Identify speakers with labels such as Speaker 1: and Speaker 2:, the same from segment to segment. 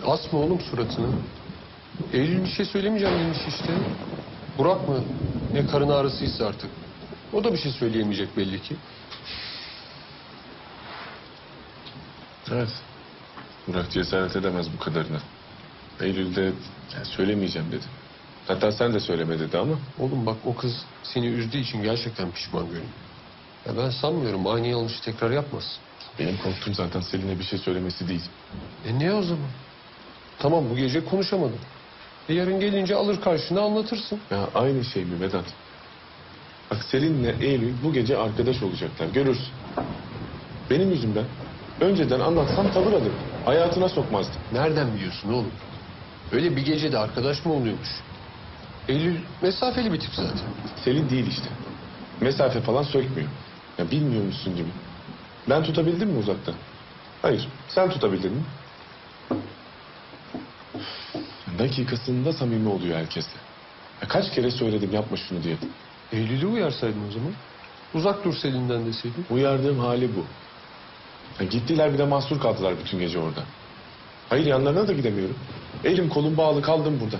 Speaker 1: Asma oğlum suratını. Eylül bir şey söylemeyeceğim demiş işte. Burak mı? Ne karın ağrısıysa artık. O da bir şey söyleyemeyecek belli ki.
Speaker 2: Evet. Burak cesaret edemez bu kadarına. Eylül'de söylemeyeceğim dedi. Hatta sen de söyleme dedi ama.
Speaker 1: Oğlum bak o kız seni üzdüğü için gerçekten pişman görünüyor. Ya ben sanmıyorum aynı yanlışı tekrar yapmaz.
Speaker 2: Benim korktuğum zaten Selin'e bir şey söylemesi değil.
Speaker 1: Ne o zaman? Tamam bu gece konuşamadım. Yarın gelince alır karşına anlatırsın.
Speaker 2: Ya aynı şey mi Vedat? Bak Selin'le Eylül bu gece arkadaş olacaklar. Görürsün. Benim yüzümden önceden anlatsam tavır alır. Hayatına sokmazdı.
Speaker 1: Nereden biliyorsun oğlum? Öyle bir gecede arkadaş mı oluyormuş? Eylül mesafeli bir tip zaten.
Speaker 2: Selin değil işte. Mesafe falan sökmüyor. Ya bilmiyormuşsun gibi. Ben tutabildim mi uzaktan? Hayır. Sen tutabildin mi? Dakikasında samimi oluyor herkesle. Ya kaç kere söyledim yapma şunu diye.
Speaker 1: Eylül'ü uyarsaydın o zaman. Uzak dur Selin'den deseydin.
Speaker 2: Uyardığım hali bu. Ya gittiler bir de mahsur kaldılar bütün gece orada. Hayır yanlarına da gidemiyorum. Elim kolum bağlı kaldım burada.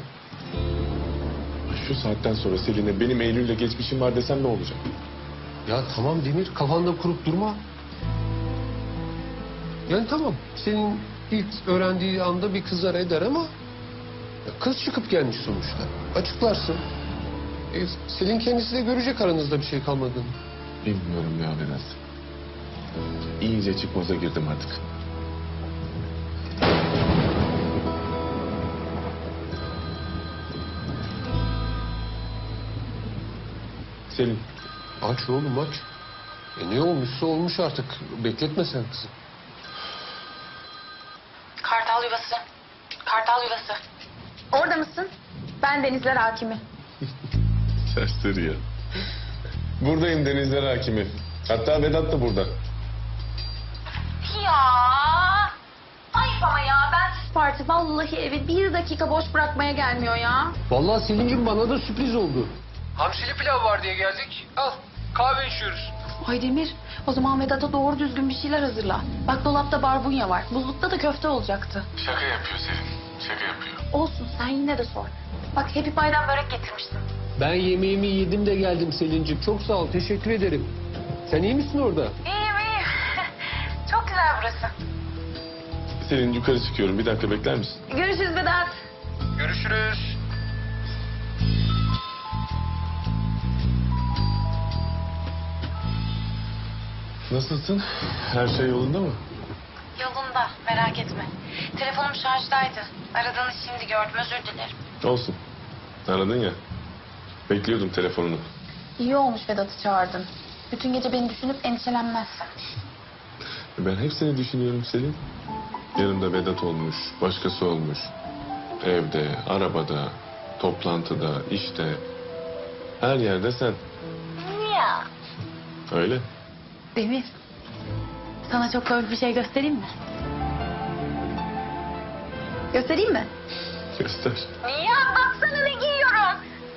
Speaker 2: Şu saatten sonra Selin'e benim Eylül'le geçmişim var desem ne olacak?
Speaker 1: Ya tamam Demir kafanda kurup durma. Yani tamam senin ilk öğrendiği anda bir kızar eder ama... ya kız çıkıp gelmiş sonuçta. Açıklarsın. Selin kendisi de görecek aranızda bir şey kalmadığını.
Speaker 2: Bilmiyorum ya Vedat. İyice çıkmaza girdim artık. Selin.
Speaker 1: Aç oğlum aç. Ne olmuşsa olmuş artık. Bekletme sen kızı.
Speaker 3: Kartal yuvası. Kartal yuvası. Orada mısın? Ben Denizler Hakimi.
Speaker 2: Serseri ya. Buradayım Denizler Hakimi. Hatta Vedat da burada.
Speaker 3: Ya. Ayıp ama ya. Ben parti vallahi evi bir dakika boş bırakmaya gelmiyor ya.
Speaker 1: Vallahi Selin'cim bana da sürpriz oldu. Hamsili pilav var diye geldik. Al kahve içiyoruz.
Speaker 3: Ay Demir, o zaman Vedat'a doğru düzgün bir şeyler hazırla. Bak dolapta barbunya var. Buzlukta da köfte olacaktı.
Speaker 2: Şaka yapıyor Selin. Şaka yapıyor.
Speaker 3: Olsun sen yine de sor. Bak Happy Pie'den börek getirmiştim.
Speaker 1: Ben yemeğimi yedim de geldim Selin'cim. Çok sağ ol teşekkür ederim. Sen iyi misin orada?
Speaker 3: İyiyim iyiyim. Çok güzel burası.
Speaker 2: Selin yukarı çıkıyorum. Bir dakika bekler misin?
Speaker 3: Görüşürüz Vedat.
Speaker 1: Görüşürüz.
Speaker 2: Nasılsın? Her şey yolunda mı?
Speaker 3: Yolunda merak etme. Telefonum şarjdaydı. Aradığını şimdi gördüm özür dilerim.
Speaker 2: Olsun. Aradın ya. Bekliyordum telefonunu.
Speaker 3: İyi olmuş Vedat'ı çağırdın. Bütün gece beni düşünüp endişelenmezsin.
Speaker 2: Ben hep seni düşünüyorum Selin. Yanımda Vedat olmuş, başkası olmuş. Evde, arabada, toplantıda, işte. Her yerde sen.
Speaker 3: Ya.
Speaker 2: Öyle.
Speaker 3: Demir, sana çok komik bir şey göstereyim mi? Göstereyim mi?
Speaker 2: Göster.
Speaker 3: Ya baksana ne giyiyorum.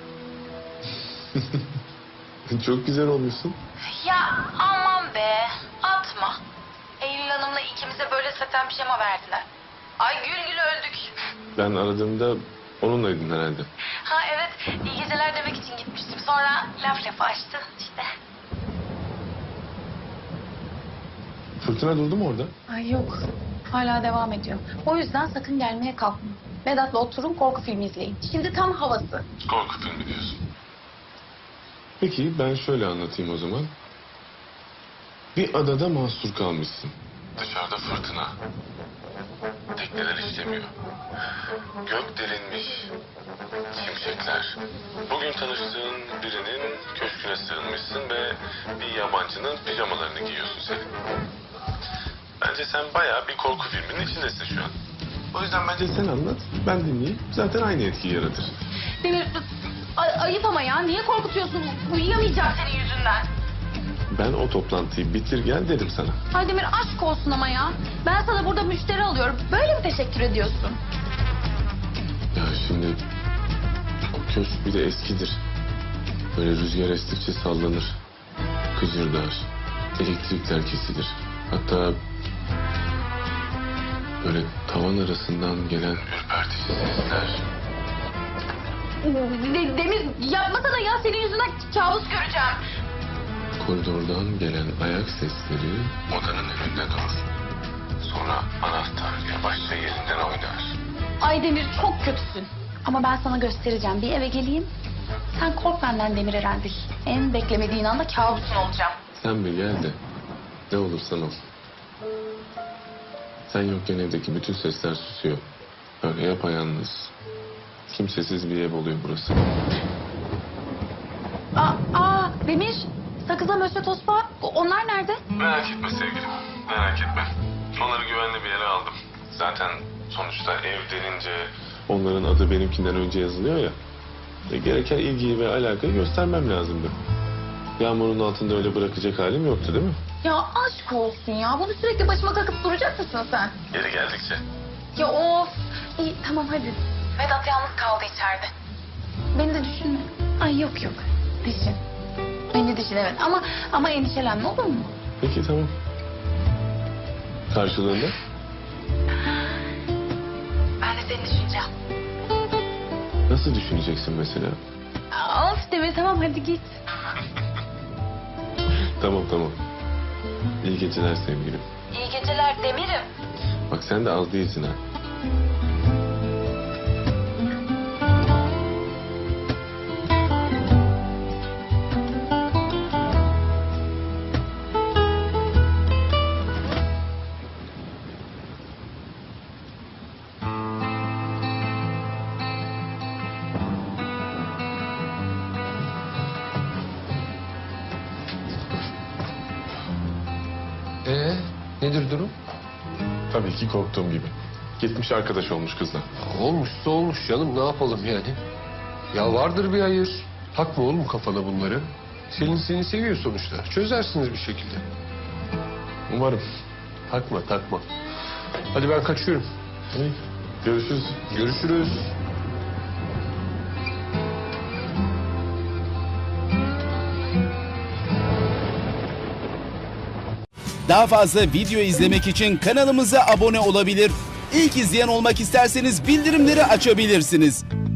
Speaker 2: Çok güzel olmuşsun.
Speaker 3: Ya aman be, atma. Eylül Hanım'la ikimize böyle saten pijama verdiler. Ay gül gül öldük.
Speaker 2: Ben aradığımda onunlaydın herhalde.
Speaker 3: Ha evet, iyi geceler demek için gitmiştim. Sonra laf lafı açtı işte.
Speaker 2: Fırtına durdu mu orada?
Speaker 3: Ay yok, hala devam ediyor. O yüzden sakın gelmeye kalkma. Vedat'la oturun korku filmi izleyin. Şimdi tam havası.
Speaker 2: Korku filmi diyorsun. Peki ben şöyle anlatayım o zaman. Bir adada mahsur kalmışsın. Dışarıda fırtına. Tekneler işlemiyor. Gök delinmiş. Şimşekler. Bugün tanıştığın birinin köşküne sığınmışsın ve bir yabancının pijamalarını giyiyorsun Selin. Bence sen bayağı bir korku filminin içindesin şu an. O yüzden bence sen anlat, ben dinleyeyim. Zaten aynı etkiyi yaratır.
Speaker 3: Demir, ayıp ama ya. Niye korkutuyorsun? Uyuyamayacağım senin yüzünden.
Speaker 2: Ben o toplantıyı bitir gel dedim sana.
Speaker 3: Ay Demir aşk olsun ama ya. Ben sana burada müşteri alıyorum. Böyle mi teşekkür ediyorsun?
Speaker 2: Ya şimdi o köşk bir de eskidir. Böyle rüzgar estikçe sallanır. Kıcırdar. Elektrikler kesilir. Hatta Böyle tavan arasından gelen ürpertici sesler.
Speaker 3: Demir yapmasana ya, senin yüzünden kabus göreceğim.
Speaker 2: Koridordan gelen ayak sesleri odanın önünde durur. Sonra anahtar yavaşça yerinden oynar.
Speaker 3: Ay Demir, çok kötüsün. Ama ben sana göstereceğim. Bir eve geleyim. Sen kork benden Demir Erendil. En beklemediğin anda kabusun olacağım.
Speaker 2: Sen bir gel de ne olursan ol. Sen yokken evdeki bütün sesler susuyor. Böyle yapayalnız. Kimsesiz bir ev oluyor burası.
Speaker 3: Demir, sakıza Mösyö Tospa, onlar nerede?
Speaker 2: Merak etme sevgilim. Merak etme. Onları güvenli bir yere aldım. Zaten sonuçta ev denince onların adı benimkinden önce yazılıyor ya. Gereken ilgiyi ve alakayı göstermem lazımdı. Yağmurun altında öyle bırakacak halim yoktu değil mi?
Speaker 3: Ya aşk olsun ya. Bunu sürekli başıma kakıp duracak mısın sen?
Speaker 2: Geri geldikçe.
Speaker 3: Ya of. İyi tamam hadi. Vedat yalnız kaldı içeride. Beni de düşünme. Ay yok. Düşün. Beni düşün evet. Ama endişelenme, olur mu?
Speaker 2: Peki tamam. Karşılığında?
Speaker 3: Ben de seni düşüneceğim.
Speaker 2: Nasıl düşüneceksin mesela?
Speaker 3: Of Demir, tamam hadi git.
Speaker 2: Tamam. İyi geceler sevgilim.
Speaker 3: İyi geceler Demir'im.
Speaker 2: Bak sen de az değilsin ha.
Speaker 1: Nedir durum?
Speaker 2: Tabii ki korktuğum gibi. Gitmiş arkadaş olmuş kızla.
Speaker 1: Olmuşsa olmuş canım, ne yapalım yani? Ya vardır bir hayır. Takma oğlum kafana bunları. Selin seni seviyor sonuçta. Çözersiniz bir şekilde.
Speaker 2: Umarım.
Speaker 1: Takma. Hadi ben kaçıyorum.
Speaker 2: İyi. Görüşürüz.
Speaker 1: Görüşürüz.
Speaker 4: Daha fazla video izlemek için kanalımıza abone olabilir. İlk izleyen olmak isterseniz bildirimleri açabilirsiniz.